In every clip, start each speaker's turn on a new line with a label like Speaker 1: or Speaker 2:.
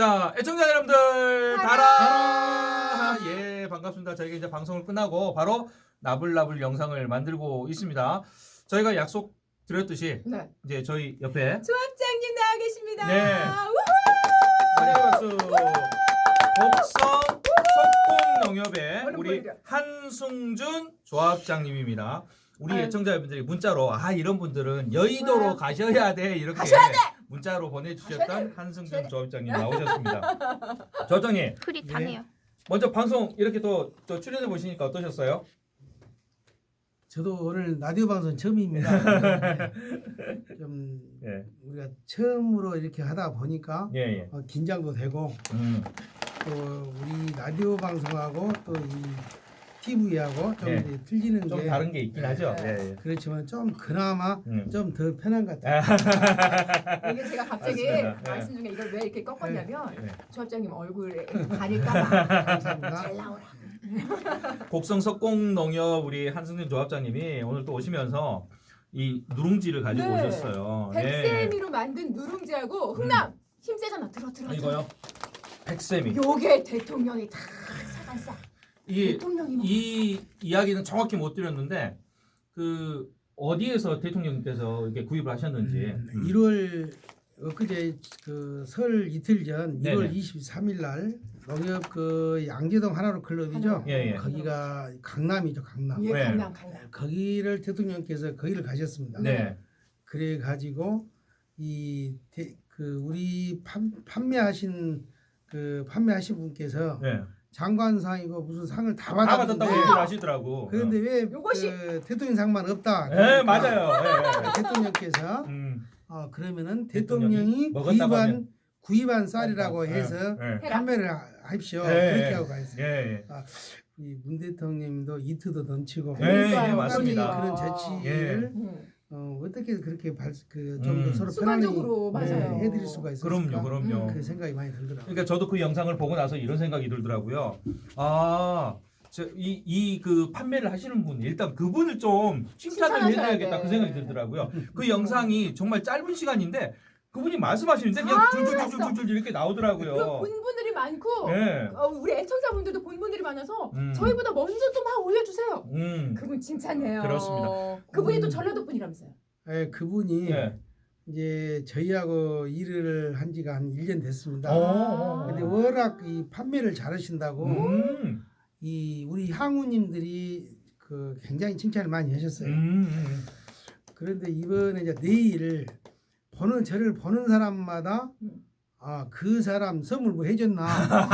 Speaker 1: 자, 애청자 여러분들 달아! 예, 반갑습니다. 저희가 이제 방송을 끝나고 바로 나불나불 영상을 만들고 있습니다. 저희가 약속 드렸듯이
Speaker 2: 네.
Speaker 1: 이제 저희 옆에
Speaker 2: 조합장님 나와 계십니다.
Speaker 1: 네.
Speaker 2: 우후!
Speaker 1: 환영의 박수. 곡성 석공농협의
Speaker 2: 얼른
Speaker 1: 우리
Speaker 2: 보여드려.
Speaker 1: 한승준 조합장님입니다. 우리
Speaker 2: 아유.
Speaker 1: 애청자 여러분들이 문자로 이런 분들은 여의도로
Speaker 2: 좋아요.
Speaker 1: 가셔야 돼 이렇게
Speaker 2: 가셔야 돼!
Speaker 1: 문자로
Speaker 2: 가셔야
Speaker 1: 보내주셨던
Speaker 2: 돼!
Speaker 1: 한승준 조합장님 나오셨습니다. 조합장님
Speaker 3: 흐릿하네요.
Speaker 1: 먼저 방송 이렇게 또 출연해 보시니까 어떠셨어요?
Speaker 4: 저도 오늘 라디오 방송 처음입니다. 좀
Speaker 1: 예,
Speaker 4: 우리가 처음으로 이렇게 하다 보니까
Speaker 1: 예, 예.
Speaker 4: 긴장도 되고 또 우리 라디오 방송하고 또 이 TV하고 좀
Speaker 1: 예.
Speaker 4: 이제 틀리는
Speaker 1: 좀
Speaker 4: 게
Speaker 1: 다른 게 있긴 하죠.
Speaker 2: 네.
Speaker 1: 예, 예.
Speaker 4: 그렇지만 좀 그나마
Speaker 1: 음.
Speaker 4: 좀 더 편한 것 같아요.
Speaker 2: 이게 제가 갑자기
Speaker 1: 맞습니다. 네.
Speaker 2: 말씀 중에 이걸 왜 이렇게 꺾었냐면
Speaker 1: 네.
Speaker 2: 조합장님 얼굴에 가릴까봐
Speaker 4: 감사합니다.
Speaker 2: 잘 나오라.
Speaker 1: 곡성 석공농협 우리 한승준 조합장님이 오늘 또 오시면서 이 누룽지를 가지고
Speaker 2: 네.
Speaker 1: 오셨어요. 예.
Speaker 2: 백세미로 만든 누룽지하고 흥남 힘세잖아. 들어.
Speaker 1: 이거요? 백세미.
Speaker 2: 요게 대통령이 다 사간싸.
Speaker 1: 이게
Speaker 2: 대통령이 뭐
Speaker 1: 이 이야기는 정확히 못 드렸는데 그 어디에서 대통령님께서 이렇게 구입을 하셨는지
Speaker 4: 1월 엊그제 그 설 이틀 전
Speaker 1: 네네.
Speaker 4: 1월 23일 날 농협 그 양재동 하나로 클럽이죠.
Speaker 1: 예, 예.
Speaker 4: 거기가 강남이죠, 강남.
Speaker 2: 예,
Speaker 1: 네.
Speaker 2: 강남.
Speaker 4: 거기를 대통령께서 거기를 가셨습니다.
Speaker 1: 네.
Speaker 4: 그래 가지고 우리 판매하신 분께서
Speaker 1: 네.
Speaker 4: 장관상이고 무슨 상을 다
Speaker 1: 다
Speaker 4: 받았는데
Speaker 1: 받았다고 얘기를 하시더라고.
Speaker 4: 그런데 왜
Speaker 2: 요것이-
Speaker 4: 그 대통령상만 없다?
Speaker 1: 네,
Speaker 4: 그러니까
Speaker 1: 맞아요.
Speaker 4: 대통령께서
Speaker 1: 예.
Speaker 4: 그러면은
Speaker 1: 대통령이
Speaker 4: 대통령이
Speaker 1: 먹었다고 하면-
Speaker 4: 구입한 쌀이라고 해서
Speaker 1: 예.
Speaker 4: 판매를 하십시오.
Speaker 1: 예,
Speaker 4: 그렇게
Speaker 1: 예.
Speaker 4: 하고 가있어요.
Speaker 1: 예.
Speaker 4: 이 문 대통령님도 이트도 넘치고
Speaker 1: 예, 예,
Speaker 2: 그러니까요.
Speaker 1: 맞습니다.
Speaker 4: 그런 재치를 어떻게 그렇게 좀 더 서로 편안히
Speaker 2: 순간적으로 맞아요.
Speaker 4: 해드릴 수가 있을까?
Speaker 1: 그럼요.
Speaker 4: 그 생각이 많이 들더라고요.
Speaker 1: 그러니까 저도 그 영상을 보고 나서 이런 생각이 들더라고요. 그 판매를 하시는 분 일단 그분을 좀 칭찬을
Speaker 2: 칭찬하셔야
Speaker 1: 해드려야겠다
Speaker 2: 돼.
Speaker 1: 그 생각이 들더라고요. 그 영상이 정말 짧은 시간인데 그분이 말씀하시는데 그냥 줄줄줄줄줄 이렇게
Speaker 2: 그리고
Speaker 1: 나오더라고요.
Speaker 2: 본 분들이 많고
Speaker 1: 예.
Speaker 2: 우리 애청자분들도 본 분들이 많아서
Speaker 1: 음.
Speaker 2: 저희보다 먼저 또 막 올려주세요. 그분 칭찬해요.
Speaker 1: 그렇습니다.
Speaker 2: 그분이 또 전라도 분이라면서요.
Speaker 4: 예, 그분이
Speaker 1: 예.
Speaker 4: 이제 저희하고 일을 한 지가 한 1년 됐습니다.
Speaker 1: 어.
Speaker 4: 근데 워낙 이 판매를 잘하신다고
Speaker 1: 음.
Speaker 4: 이 우리 향우님들이 그 굉장히 칭찬을 많이 하셨어요. 그런데 이번에 이제 내일 저를 보는 사람마다 그 사람 선물 뭐 해줬나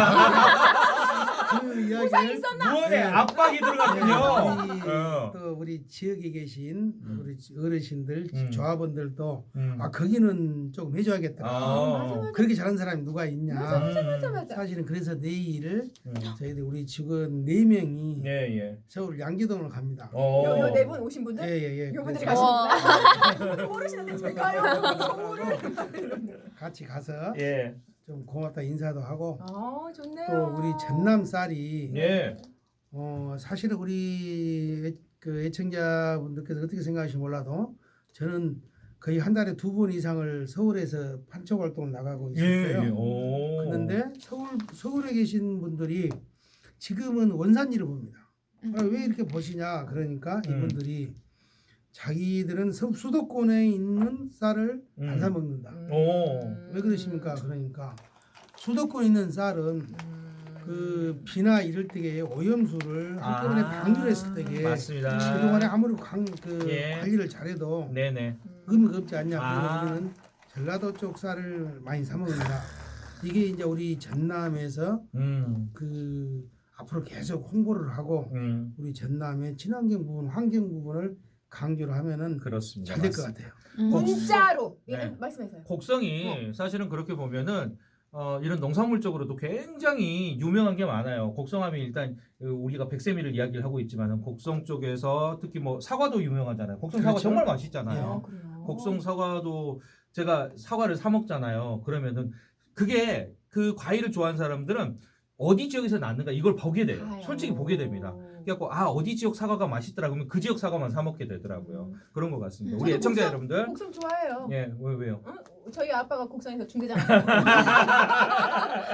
Speaker 4: 그
Speaker 2: 보상이
Speaker 4: 이야기를
Speaker 2: 있었나?
Speaker 1: 무언에
Speaker 4: 네.
Speaker 1: 압박이 들어갔군요.
Speaker 4: 우리,
Speaker 1: 어.
Speaker 4: 또 우리 지역에 계신 우리 어르신들
Speaker 1: 음.
Speaker 4: 조합원들도 거기는 조금 해줘야겠다.
Speaker 2: 맞아.
Speaker 4: 그렇게 잘하는 사람이 누가 있냐.
Speaker 2: 맞아.
Speaker 4: 사실은 그래서 내일
Speaker 1: 음.
Speaker 4: 저희들 우리 직원 4명이
Speaker 1: 예.
Speaker 4: 서울 양재동으로 갑니다.
Speaker 2: 요 네 분 오신 분들?
Speaker 4: 예예예.
Speaker 2: 요 분들이
Speaker 4: 그래서
Speaker 2: 가시는구나. 모르시는데 제가요. 정보를.
Speaker 4: 같이 가서
Speaker 1: 예.
Speaker 4: 좀 고맙다 인사도 하고
Speaker 2: 좋네요.
Speaker 4: 또 우리 전남 쌀이
Speaker 1: 예.
Speaker 4: 사실은 우리 그 애청자분들께서 어떻게 생각하실지 몰라도 저는 거의 한 달에 2번 이상을 서울에서 판촉 활동을 나가고 있었어요.
Speaker 1: 예. 오.
Speaker 4: 그런데 서울에 계신 분들이 지금은 원산지를 봅니다. 왜 이렇게 보시냐 그러니까 이분들이 자기들은 수도권에 있는 쌀을 안 사 먹는다. 왜 그러십니까? 그러니까 수도권에 있는 쌀은 그 비나 이럴 때에 오염수를 한꺼번에 방류를 했을 때에
Speaker 1: 맞습니다.
Speaker 4: 그동안에 아무리
Speaker 1: 예.
Speaker 4: 관리를 잘해도
Speaker 1: 네네.
Speaker 4: 의미가 없지 않냐. 그래서
Speaker 1: 아.
Speaker 4: 우리는 전라도 쪽 쌀을 많이 사 먹는다. 이게 이제 우리 전남에서 그 앞으로 계속 홍보를 하고 우리 전남의 친환경 부분, 환경 부분을 강조를 하면은
Speaker 1: 그렇습니다.
Speaker 4: 잘 될 것 같아요.
Speaker 2: 문자로
Speaker 1: 네.
Speaker 2: 말씀하세요.
Speaker 1: 곡성이 사실은 그렇게 보면은 이런 농산물 쪽으로도 굉장히 유명한 게 많아요. 곡성하면 일단 우리가 백세미를 이야기를 하고 있지만 곡성 쪽에서 특히 뭐 사과도 유명하잖아요. 곡성 사과
Speaker 4: 그렇죠.
Speaker 1: 정말 맛있잖아요.
Speaker 2: 그래요.
Speaker 1: 곡성 사과도 제가 사과를 사 먹잖아요. 그러면은 그게 그 과일을 좋아하는 사람들은 어디 지역에서 났는가 이걸 보게 돼요.
Speaker 2: 아유.
Speaker 1: 솔직히 보게 됩니다. 그래갖고 어디 지역 사과가 맛있더라 그러면 그 지역 사과만 사 먹게 되더라고요. 그런 것 같습니다. 우리
Speaker 2: 저도
Speaker 1: 애청자
Speaker 2: 곡성-
Speaker 1: 여러분들,
Speaker 2: 곡성 좋아해요.
Speaker 1: 예, 왜요?
Speaker 2: 저희 아빠가 곡성에서 중대장.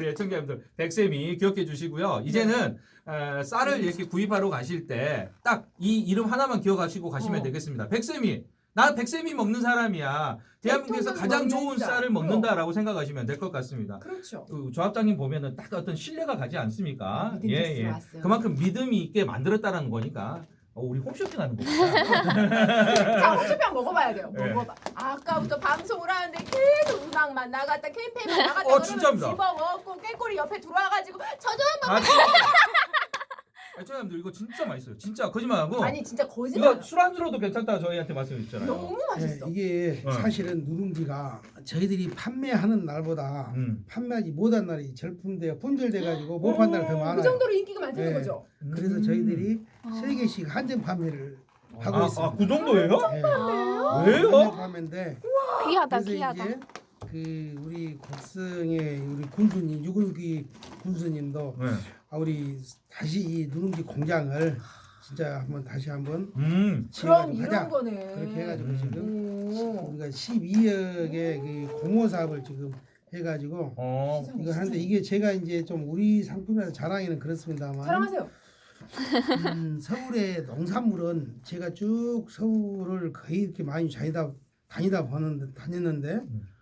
Speaker 1: 우리 애청자분들 백세미 기억해 주시고요. 이제는 쌀을 이렇게 구입하러 가실 때 딱 이 이름 하나만 기억하시고 가시면 되겠습니다. 백세미. 나 백세미 먹는 사람이야. 대한민국에서
Speaker 2: 백통을
Speaker 1: 가장
Speaker 2: 먹는
Speaker 1: 좋은
Speaker 2: 쌀.
Speaker 1: 쌀을 먹는다라고 생각하시면 될 것 같습니다.
Speaker 2: 그렇죠.
Speaker 1: 조합장님 보면은 딱 어떤 신뢰가 가지 않습니까?
Speaker 2: 믿음 테스트로 왔어요.
Speaker 1: 그만큼 믿음이 있게 만들었다는 거니까 우리 홈쇼핑 하는 거구나.
Speaker 2: 자, 홈쇼핑 먹어봐야 돼요.
Speaker 1: 네.
Speaker 2: 먹어봐. 아까부터 방송을 하는데 계속 음악만 나갔다 캠페인만 나갔다 그러면
Speaker 1: 진짜입니다.
Speaker 2: 집어먹고 깨꼬리 옆에 들어와가지고 저도 한번
Speaker 1: 애청자분들 이거 진짜 맛있어요. 진짜 거짓말하고.
Speaker 2: 아니 진짜 거짓말.
Speaker 1: 이거 술안주로도 괜찮다 저희한테 말씀해주잖아요.
Speaker 2: 너무 맛있어.
Speaker 4: 이게 사실은 누룽지가 저희들이 판매하는 날보다 판매하지 못한 날이 절품돼 품절돼 가지고 못 판다는 더 많아요.
Speaker 2: 그 정도로 인기가 많다는
Speaker 4: 네.
Speaker 2: 거죠.
Speaker 4: 그래서 저희들이 3개씩 한정 판매를 하고 있습니다.
Speaker 1: 그 정도예요?
Speaker 4: 네.
Speaker 1: 왜요?
Speaker 4: 한정 판매인데
Speaker 3: 귀하다
Speaker 4: 그래서
Speaker 3: 귀하다.
Speaker 4: 이제 그 우리 곡성의 우리 군수님 유근기 군수님도
Speaker 1: 네.
Speaker 4: 우리 다시 이 누룽지 공장을 진짜 한번 다시 한번
Speaker 2: 그럼
Speaker 4: 지어가지고
Speaker 2: 이런
Speaker 4: 하자.
Speaker 2: 거네.
Speaker 4: 그렇게 해가지고 지금
Speaker 2: 오.
Speaker 4: 우리가 12억의 그 공모 사업을 지금 해가지고 이거 하는데 이게 제가 이제 좀 우리 상품이라서 자랑이는 그렇습니다만
Speaker 2: 사랑하세요.
Speaker 4: 서울의 농산물은 제가 쭉 서울을 거의 이렇게 많이 다녔는데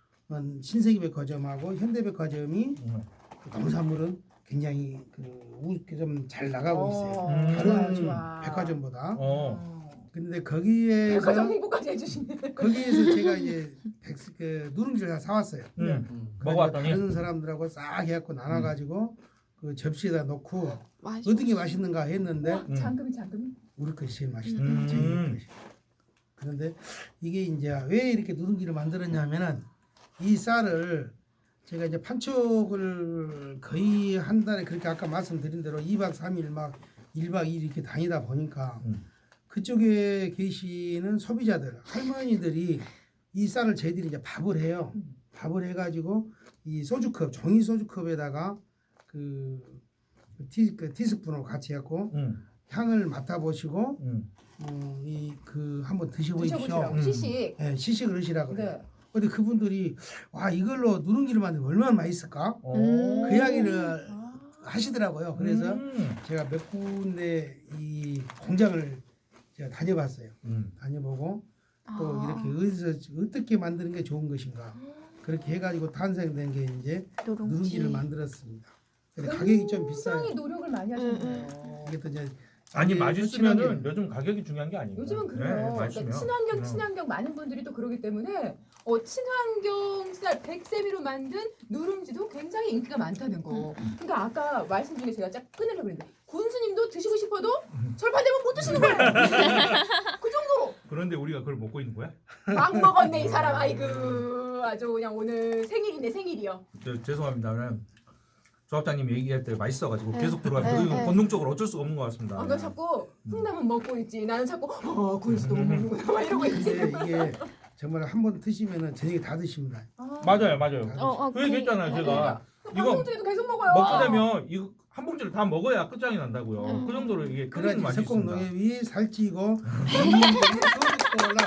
Speaker 4: 신세계백화점하고 현대백화점이 그 농산물은 굉장히 좀 잘 나가고 있어요. 다른
Speaker 2: 좋아.
Speaker 4: 백화점보다.
Speaker 1: 어.
Speaker 4: 근데 거기에서
Speaker 2: 백화점 홍보까지 해주시네.
Speaker 4: 거기에서 제가 이제 누룽지를 다 사왔어요.
Speaker 1: 먹어봤더니
Speaker 4: 다른 사람들하고 싹 해갖고 나눠가지고 그 접시에다 놓고
Speaker 3: 맛있어.
Speaker 4: 어떤 게 맛있는가 했는데
Speaker 2: 잠금이.
Speaker 4: 우리 것이 제일 맛있다.
Speaker 1: 음.
Speaker 4: 저희 것이. 그런데 이게 이제 왜 이렇게 누룽지를 만들었냐면은 이 쌀을 제가 이제 판촉을 거의 한 달에 그렇게 아까 말씀드린 대로 2박 3일 막 1박 2일 이렇게 다니다 보니까 그쪽에 계시는 소비자들 할머니들이 이 쌀을 저희들이 이제 밥을 해요. 밥을 해가지고 이 소주컵 종이 소주컵에다가 그 티스푼으로 같이 해갖고 향을 맡아보시고 이 한번 드셔보십시오.
Speaker 2: 시식.
Speaker 4: 네, 시식을 하시라고 그래요.
Speaker 2: 네.
Speaker 4: 근데 그분들이 와 이걸로 누룽지를 만들면 얼마나 맛있을까? 그 이야기를 하시더라고요. 그래서 제가 몇 군데 이 공장을 제가 다녀봤어요. 다녀보고 또 이렇게 어떻게 만드는 게 좋은 것인가 그렇게 해가지고 탄생된 게 이제 누룽지를 만들었습니다. 근데 가격이 좀 비싸요.
Speaker 2: 굉장히 노력을 많이 하셨네요.
Speaker 4: 이게 또 이제
Speaker 1: 아니 맛있으면은
Speaker 4: 친하게.
Speaker 1: 요즘 가격이 중요한 게 아니에요.
Speaker 2: 요즘은 그래요. 그러니까 친환경 많은 분들이 또 그러기 때문에 친환경 쌀 백세미로 만든 누룽지도 굉장히 인기가 많다는 거. 그러니까 아까 말씀 중에 제가 쫙 끊으려고 했는데 군수님도 드시고 싶어도 절판되면 못 드시는 거예요. 그 정도로
Speaker 1: 그런데 우리가 그걸 먹고 있는 거야?
Speaker 2: 막 먹었네 이 사람. 아이고 아주 그냥 오늘 생일이네 생일이요.
Speaker 1: 죄송합니다. 조합장님 얘기할 때 맛있어가지고 계속 들어가요.
Speaker 3: 네,
Speaker 1: 이거
Speaker 3: 네.
Speaker 1: 본능적으로 어쩔 수가 없는 것 같습니다.
Speaker 2: 나 자꾸 콩나물 먹고 있지. 나는 자꾸 군수도 못 먹는구나 막 이러고 있지.
Speaker 4: 근데 이게 정말 한번 드시면은 저녁에 다 드십니다.
Speaker 1: 맞아요. 그 얘기 했잖아요. 제가 이거
Speaker 2: 방송 중에도 계속 먹어요.
Speaker 1: 먹게 되면 이거 한 봉지를 다 먹어야 끝장이 난다고요. 그 정도로 이게 끓이는
Speaker 4: 그러지
Speaker 1: 맛이 있습니다.
Speaker 4: 석공농협이 살찌고 농민들이 소득도 올라.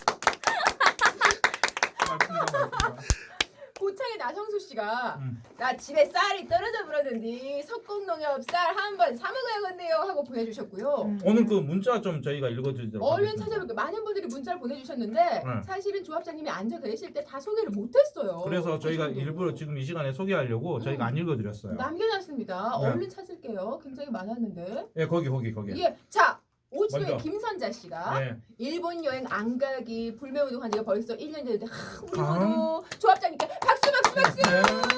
Speaker 1: 맞습니다.
Speaker 2: 고창의 나성수 씨가 나 집에 쌀이 떨어져 버렸는데 석공농협 쌀 한 번 사 먹어야겠네요 하고 보내주셨고요.
Speaker 1: 오늘 그 문자 좀 저희가 읽어드리도록
Speaker 2: 얼른
Speaker 1: 하겠습니다.
Speaker 2: 찾아볼게요. 많은 분들이 문자를 보내주셨는데 사실은 조합장님이 앉아 계실 때 다 소개를 못했어요.
Speaker 1: 그래서 저희가
Speaker 2: 그 정도로.
Speaker 1: 일부러 지금 이 시간에 소개하려고 저희가 안 읽어드렸어요.
Speaker 2: 남겨놨습니다.
Speaker 1: 네.
Speaker 2: 얼른 찾을게요. 굉장히 많았는데.
Speaker 1: 예, 거기.
Speaker 2: 예, 자 오지도의
Speaker 1: 먼저.
Speaker 2: 김선자 씨가
Speaker 1: 네.
Speaker 2: 일본 여행 안 가기 불매운동한 지가 벌써 1년 됐는데 우리 모두 조합장님께 박수.
Speaker 1: 네.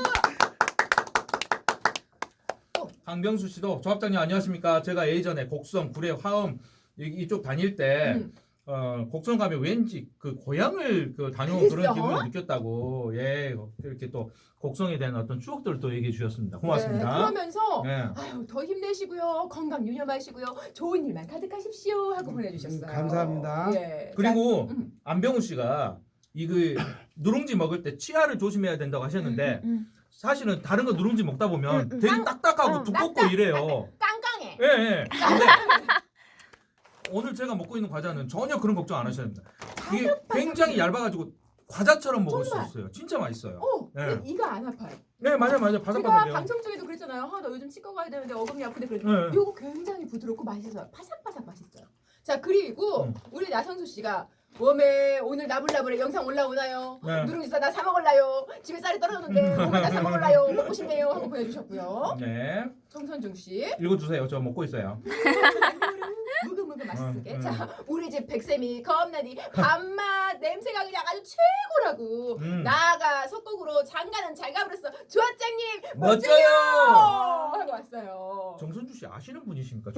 Speaker 1: 강병수 씨도 조합장님 안녕하십니까? 제가 예전에 곡성, 구례, 화엄 이쪽 다닐 때 곡성 가면 왠지 그 고향을 다녀온 그런
Speaker 2: 그랬어?
Speaker 1: 기분을 느꼈다고 이렇게 또 곡성에 대한 어떤 추억들을 또 얘기해 주셨습니다.
Speaker 2: 네,
Speaker 1: 고맙습니다.
Speaker 2: 그러면서
Speaker 1: 네.
Speaker 2: 아유 더 힘내시고요. 건강 유념하시고요. 좋은 일만 가득하십시오 하고 보내주셨어요.
Speaker 4: 감사합니다.
Speaker 2: 예.
Speaker 1: 그리고
Speaker 2: 자,
Speaker 1: 안병우 씨가 누룽지 먹을 때 치아를 조심해야 된다고 하셨는데 사실은 다른 거 누룽지 먹다 보면 되게 딱딱하고 두껍고 이래요.
Speaker 2: 깡깡해.
Speaker 1: 예. 근데 오늘 제가 먹고 있는 과자는 전혀 그런 걱정 안 하셔야 됩니다. 이게 굉장히 얇아가지고 과자처럼 먹을
Speaker 2: 정말.
Speaker 1: 수 있어요. 진짜 맛있어요. 네.
Speaker 2: 근데 이가 안 아파요.
Speaker 1: 네, 맞아요.
Speaker 2: 제가
Speaker 1: 바삭바삭해요.
Speaker 2: 방송 중에도 그랬잖아요. 나 요즘 치과 가야 되는데 어금니 아픈데 그랬
Speaker 1: 네.
Speaker 2: 이거 굉장히 부드럽고 맛있어요. 바삭바삭 맛있어요. 자 그리고 우리 나선수 씨가 몸에 오늘 나불나불에 영상 올라오나요?
Speaker 1: 네.
Speaker 2: 누룽지 싸다 사 먹을라요? 집에 쌀이 떨어졌는데 몸에 다사 먹을라요? 먹고 싶네요 하고 보내주셨고요.
Speaker 1: 네.
Speaker 2: 정선중 씨
Speaker 1: 읽어주세요. 저 먹고 있어요.
Speaker 2: 무그무그 맛있게.
Speaker 1: 음.
Speaker 2: 자 우리 집 백쌤이 겁나니 밥맛 냄새가 그냥 아주 최고라고. 나아가 속곡으로 장가는 잘 가버렸어. 조합장님
Speaker 1: 멋져요.
Speaker 2: 하고 왔어요.
Speaker 1: 정선주 씨 아시는 분이십니까?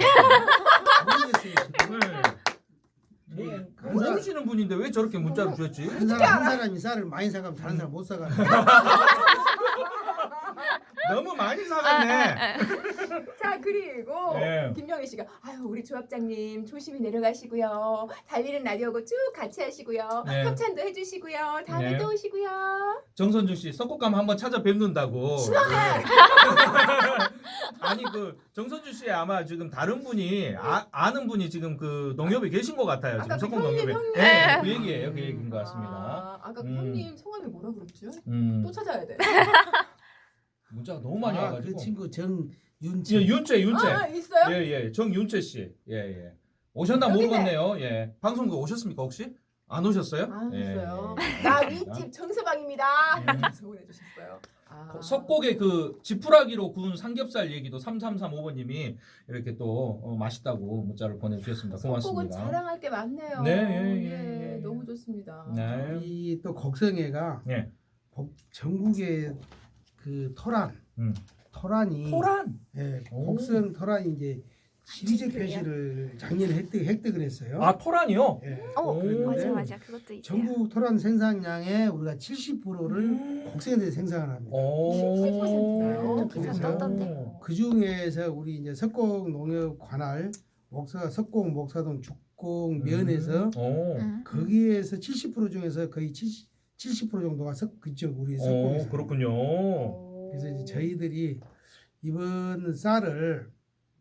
Speaker 4: 모르겠어요.
Speaker 1: 네. 모르시는 분인데 왜 저렇게 문자를 주셨지?
Speaker 4: 한 사람이 쌀을 많이 사가면 다른 사람 못 사가.
Speaker 1: 너무 많이 사갔네.
Speaker 2: 자 그리고
Speaker 1: 네.
Speaker 2: 김영희 씨가 아유 우리 조합장님 조심히 내려가시고요. 달리는 라디오고 쭉 같이 하시고요.
Speaker 1: 네.
Speaker 2: 협찬도 해주시고요. 다음에
Speaker 1: 네.
Speaker 2: 또 오시고요.
Speaker 1: 정선주 씨 석곡감 한번 찾아뵙는다고.
Speaker 2: 신원해.
Speaker 1: 아니 그 정선주 씨 아마 지금 다른 분이 아는 분이 지금 그 농협에 계신 것 같아요. 지금
Speaker 2: 아까 그
Speaker 1: 석곡
Speaker 2: 형님,
Speaker 1: 농협에.
Speaker 2: 형님.
Speaker 1: 네, 그 얘기예요. 그 얘기인 것 같습니다.
Speaker 2: 아까 그 형님 성함이 뭐라 그랬죠?
Speaker 1: 음.
Speaker 2: 또 찾아야 돼.
Speaker 1: 문자가 너무 많이 와가지고.
Speaker 4: 그 친구 정윤채.
Speaker 1: 예, 윤채.
Speaker 2: 아 있어요?
Speaker 1: 예. 정윤채 씨. 예. 오셨나
Speaker 2: 여기네.
Speaker 1: 모르겠네요. 예. 방송국 오셨습니까 혹시? 안 오셨어요?
Speaker 2: 안
Speaker 1: 예,
Speaker 2: 오셨어요.
Speaker 1: 예.
Speaker 2: 나 윗집 정서방입니다. 이러면서 보내주셨어요.
Speaker 1: 석곡의 그 지푸라기로 구운 삼겹살 얘기도 3335번님이 이렇게 또 맛있다고 문자를 보내주셨습니다.
Speaker 2: 석곡은
Speaker 1: 고맙습니다.
Speaker 2: 자랑할 게 많네요.
Speaker 1: 네, 예.
Speaker 2: 너무 좋습니다.
Speaker 1: 네.
Speaker 4: 이 또 곡성애가
Speaker 1: 예.
Speaker 4: 전국의 그 토란이
Speaker 1: 토란.
Speaker 4: 예,
Speaker 1: 오.
Speaker 4: 곡성 토란이 이제 지리적 표시를 작년에 획득을 했어요.
Speaker 1: 아 토란이요?
Speaker 4: 예.
Speaker 1: 오.
Speaker 4: 그랬는데
Speaker 3: 맞아 그것도 있어요.
Speaker 4: 전국 토란 생산량의 우리가 70%를 곡성에서 생산을 합니다.
Speaker 1: 오.
Speaker 2: 70%나요?
Speaker 4: 그래서
Speaker 3: 떴던데.
Speaker 4: 그 중에서 우리 이제 석곡 농협 관할 석곡 목사동 죽곡 면에서
Speaker 1: 오.
Speaker 4: 거기에서 70% 중에서 거의 70% 정도가 그쪽 우리 석곡에서.
Speaker 1: 오, 그렇군요.
Speaker 4: 그래서 이제 저희들이 이번 쌀을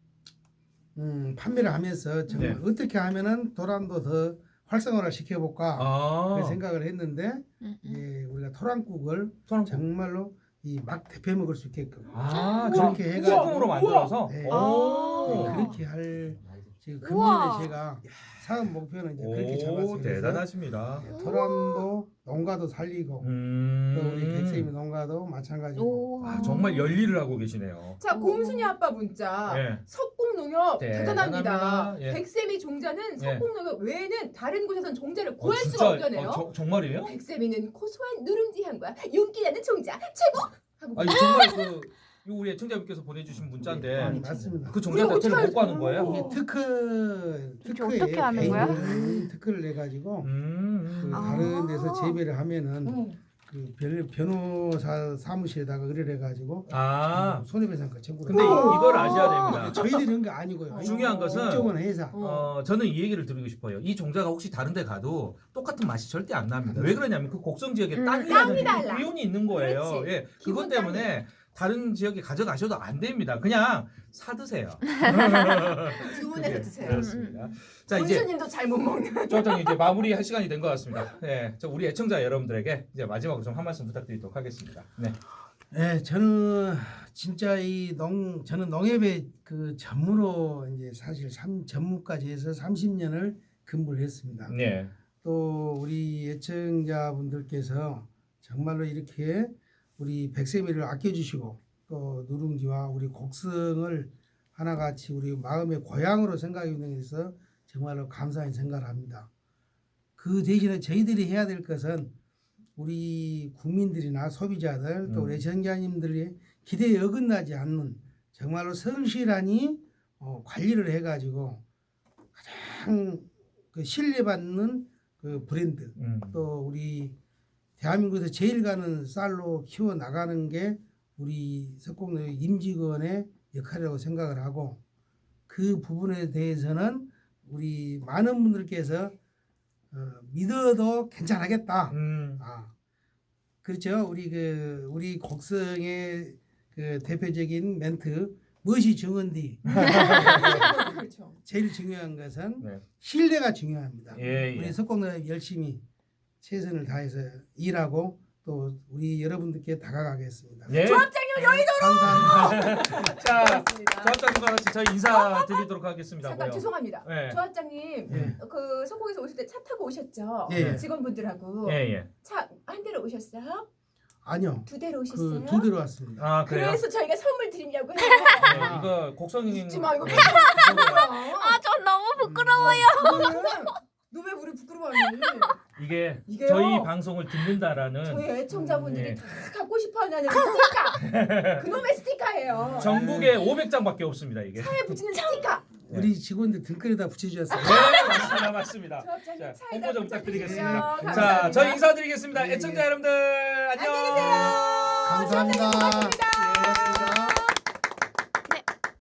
Speaker 4: 판매를 하면서 정말
Speaker 1: 네.
Speaker 4: 어떻게 하면은 도란도 더 활성화를 시켜볼까
Speaker 1: 아.
Speaker 4: 그 생각을 했는데 예, 우리가 토란국을
Speaker 1: 토란.
Speaker 4: 정말로 이 막 대표 먹을 수 있게끔
Speaker 1: 아,
Speaker 4: 그렇게
Speaker 1: 그렇게
Speaker 4: 해가지고.
Speaker 1: 소금으로 만들어서.
Speaker 4: 네.
Speaker 1: 오.
Speaker 4: 네, 그렇게 할 지금
Speaker 3: 우와.
Speaker 4: 금년에 제가 사업 목표는 이제 그렇게 잡았어요.
Speaker 1: 오,
Speaker 4: 그래서
Speaker 1: 대단하십니다.
Speaker 4: 예, 토란도 농가도 살리고 또 우리 백세미 농가도 마찬가지고
Speaker 3: 오.
Speaker 1: 아, 정말 열일을 하고 계시네요.
Speaker 2: 자 곰순이 아빠 문자.
Speaker 1: 예.
Speaker 2: 석곡농협
Speaker 1: 대단합니다.
Speaker 2: 대단합니다.
Speaker 1: 예.
Speaker 2: 백세미 종자는
Speaker 1: 예.
Speaker 2: 석곡농협 외에는 다른 곳에선 종자를 구할
Speaker 1: 진짜,
Speaker 2: 수가 없다네요.
Speaker 1: 정말이에요?
Speaker 2: 백세미는 고소한 누룽지 향과 윤기나는 종자 최고! 하고
Speaker 1: 아니 정말 그 이거 우리 애청자분께서 보내주신 문자인데
Speaker 4: 아, 맞습니다.
Speaker 1: 그 종자 자체를 못 구하는 거예요?
Speaker 4: 이게 특허에
Speaker 3: 어떻게 하는 거야?
Speaker 4: 특허를 내 가지고
Speaker 1: 음.
Speaker 4: 다른 데서 재배를 하면은
Speaker 2: 응.
Speaker 4: 그 변호사 사무실에다가 의뢰를 해가지고
Speaker 1: 아.
Speaker 4: 손해배상과 청구를.
Speaker 1: 근데
Speaker 4: 해요.
Speaker 1: 이걸 아셔야 됩니다.
Speaker 4: 저희들이 그런 거 아니고요.
Speaker 1: 중요한 것은
Speaker 4: 국정원 회사.
Speaker 1: 저는 이 얘기를 드리고 싶어요. 이 종자가 혹시 다른 데 가도 똑같은 맛이 절대 안 납니다. 왜 그러냐면 그 곡성 지역에
Speaker 2: 땅이
Speaker 1: 땅이라는
Speaker 2: 달라.
Speaker 1: 기운이 있는 거예요.
Speaker 2: 그렇지.
Speaker 1: 예.
Speaker 2: 기본
Speaker 1: 그것 때문에 다른 지역에 가져가셔도 안 됩니다. 그냥 사 드세요.
Speaker 2: 주문해서 드세요.
Speaker 1: 그렇습니다. 자, 이제
Speaker 2: 군수님도 잘 못 먹는.
Speaker 1: 조합장님 이제 마무리할 시간이 된 것 같습니다. 네, 자, 우리 애청자 여러분들에게 이제 마지막으로 좀 한 말씀 부탁드리도록 하겠습니다. 네.
Speaker 4: 네, 저는 진짜 저는 농협의 그 전무로 이제 사실 전무까지 해서 30년을 근무를 했습니다.
Speaker 1: 네.
Speaker 4: 또 우리 애청자분들께서 정말로 이렇게 우리 백세미를 아껴주시고 또 누룽지와 우리 곡성을 하나같이 우리 마음의 고향으로 생각해 주는 데서 정말로 감사히 생각을 합니다. 그 대신에 저희들이 해야 될 것은 우리 국민들이나 소비자들 또 우리 애청자님들의 기대에 어긋나지 않는 정말로 성실하니 관리를 해가지고 가장 그 신뢰받는 그 브랜드 또 우리 대한민국에서 제일 가는 쌀로 키워 나가는 게 우리 석곡농협 임직원의 역할이라고 생각을 하고 그 부분에 대해서는 우리 많은 분들께서 믿어도 괜찮겠다. 그렇죠. 우리 곡성의 그 대표적인 멘트 무엇이 중요한디?
Speaker 2: 그렇죠.
Speaker 4: 제일 중요한 것은
Speaker 1: 네.
Speaker 4: 신뢰가 중요합니다.
Speaker 1: 예,
Speaker 4: 우리
Speaker 1: 예.
Speaker 4: 석곡농협 열심히 최선을 다해서 일하고 또 우리 여러분들께 다가가겠습니다.
Speaker 1: 네.
Speaker 2: 조합장님
Speaker 4: 감사합니다.
Speaker 1: 자,
Speaker 2: 고맙습니다.
Speaker 1: 조합장님과 같이 저희 인사드리도록 하겠습니다.
Speaker 2: 잠깐
Speaker 1: 뭐요?
Speaker 2: 죄송합니다.
Speaker 1: 네.
Speaker 2: 조합장님
Speaker 4: 예.
Speaker 2: 그 성공에서 오실 때 차 타고 오셨죠?
Speaker 4: 예.
Speaker 2: 직원분들하고
Speaker 1: 예, 예.
Speaker 2: 차 한 대로 오셨어요?
Speaker 4: 아니요.
Speaker 2: 두 대로 오셨어요?
Speaker 4: 그 두 대로 왔습니다.
Speaker 1: 아, 그래요?
Speaker 2: 그래서 저희가 선물 드리려고 해요.
Speaker 1: 네, 이거 곡성님
Speaker 2: 웃지 마 이거.
Speaker 3: 아, 전 너무 부끄러워요.
Speaker 2: 너 왜 우리 부끄러워하니?
Speaker 1: 이게
Speaker 2: 이게요.
Speaker 1: 저희 방송을 듣는다라는
Speaker 2: 저희 애청자분들이
Speaker 1: 예.
Speaker 2: 다 갖고 싶어하는 스티커. 그놈의 스티커예요.
Speaker 1: 전국에 500장밖에 없습니다, 이게.
Speaker 2: 차에 붙이는 스티커.
Speaker 4: 우리 직원들 등골에다 붙여주셨어요.
Speaker 1: 네, 맞습니다. 맞습니다.
Speaker 2: 조합장님
Speaker 1: 자,
Speaker 2: 차에다
Speaker 1: 홍보 좀
Speaker 2: 붙여주세요.
Speaker 1: 부탁드리겠습니다.
Speaker 2: 감사합니다.
Speaker 1: 자, 저희 인사드리겠습니다.
Speaker 4: 예, 예.
Speaker 1: 애청자 여러분들 안녕.
Speaker 2: 안녕히 계세요.
Speaker 4: 감사합니다.
Speaker 2: 조합장님 고맙습니다.
Speaker 4: 고맙습니다.